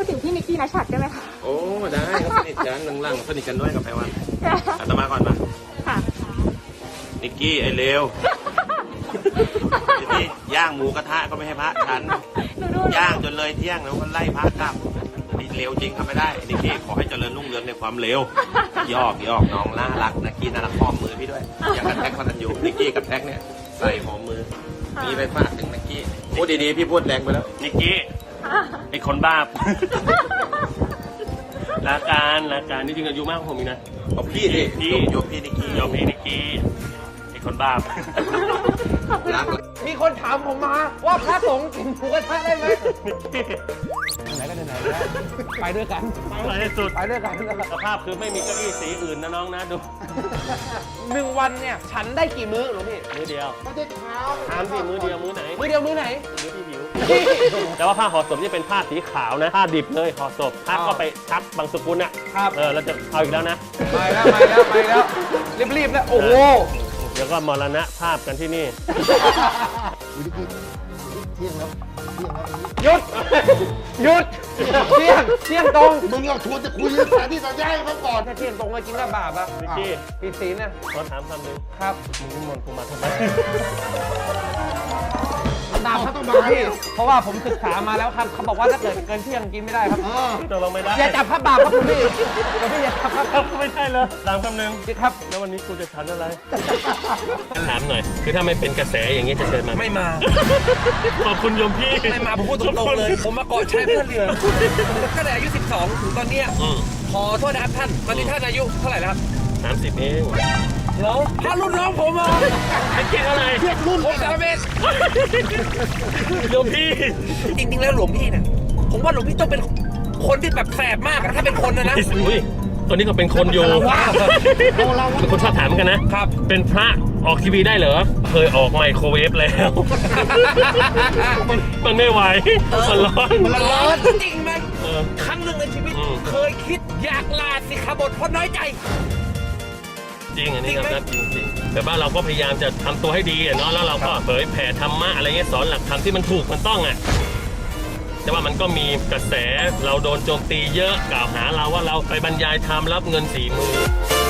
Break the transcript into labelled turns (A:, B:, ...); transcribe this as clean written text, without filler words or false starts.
A: ดถึงพี่นิกกี้นัชชัดได้ไหมคะ
B: โอ้ได้ก็สนิทกันหลังๆสนิทกันด้วยกับไพวันอาตมาก่อนมา
A: ค่ะ
B: นิกกี้ไอ้เลวทีนี้ย่างหมูกระทะก็ไม่ให้พระฉันย่างจนเลยเที่ยงแล้วก็ไล่พระกลับนี่เลวจริงทำไม่ได้นิกกี้ขอให้เจริญรุ่งเรืองในความเลวยอกน้องน่ารักนิกกี้น่ารักหอมมือพี่ด้วยอย่างกับแท็กพนันยูนิกกี้กับแท็กเนี่ยใส่หอมมือมีไปฝากถึงนิกกี้พูดดีๆพี่พูดแรงไปแล้วนิกกี้ไอ้คนบ้าลาการนี่จริงอายุมากกว่าผมอีกนะเอาพี่ดิยกพี่นิกกี้ไอ้คนบ้ารัก
C: มีคนถามผมมาว่าพระสงฆ์กินหมูกระทะได้ไหมไหนก็ไหนแล้วไปด้วยกัน
B: ไปให้สุด
C: ไปด้วยกัน
B: สภาพคือไม่มีเก้าอี้สีอื่นนะน้องนะดู
C: 1 วันเนี่ยฉันได้กี่มื้อหรอพี่
B: มื้อเดียว
C: ไม่ใช่เช้า
B: ถามสิมื้อเดียวมื้อไหน
C: มื้อ
B: พี่หิวแต่ว่าผ้าห่อศพนี่เป็นผ้าสีขาวนะผ้าดิบเลยห่อศพผ้าก็ไปชักบางสกุลอ่ะเราจะเอาอีกแล้วนะ
C: ไปแล้วรีบแล้วโอ้โห
B: เดี๋ยวก็มรณะภาพกันที่นี่
C: หยุดเที่ยงตรง
D: มึงเอาชวนจะคุยสถานที่ต่อย้ายมาก่อน
C: ถ้าเที่ยงตรงมากินก็บาปอ่ะ
B: พี่
C: ผิดศีลนะ
B: ขอถามคำหนึ่ง
C: ครับ
B: มึงนิมนต์กูมาทำไม
C: ตามเขาต้องมาพี่เพราะว่าผมศึกษามาแล้วครับเขาบอกว่าถ้าเกิดเกินเที่ยงกินไม่ได้ครับ
B: ตกลงไม่ได้
C: อย่าจับพระบาปครับคุณพี่อย่าจับครับ
B: ไม่ใช่เลยตามคำหนึ่ง
C: ครับ
B: แล้ววันนี้กูจะฉันอะไรถามหน่อยคือถ้าไม่เป็นกระแสอย่างนี้จะเชิญมา
C: ไม่มา
B: ขอบคุณโยมพี่
C: ไม่มาผมพูดตรงๆเลยผมมาเกาะชายเพื่อนเรือตั้งแต่อายุ12ถึงตอนนี้ขอโทษนะครับท่านตอนนี้ท่านอายุเท่าไหร่แล้วครับ
B: 30เอง
C: แล้วถ้ารุ่นน้องผมอ่ะ
B: ไอ้เก่งอะไร
C: เทียบรุ่นผม30
B: โยมพี่
C: จริงๆแล้วหลวงพี่เนี่ยผมว่าหลวงพี่ต้องเป็นคนที่แบบแสบมากอะถ้าเป็นคนนะ
B: ตัวนี้ก็เป็นคนอยู่เป็นคนชอบถามกันนะครับเป็นพระออกทีวีได้เหรอเคยออกไมโครเวฟแล้วมันไม่ไหว
C: มันร้อนจริงไหมครั้งหนึ่งในชีวิตเคยคิดอยากลาสิกขาบทเพราะน้อยใจ
B: จริงอันนี้ครับจริงแต่ว่าเราก็พยายามจะทำตัวให้ดีเนาะแล้วเราก็เผยแผ่ธรรมะอะไรเงี้ยสอนหลักธรรมที่มันถูกมันต้องอ่ะแต่ว่ามันก็มีกระแสเราโดนโจมตีเยอะกล่าวหาเราว่าเราไปบรรยายธรรมรับเงิน40,000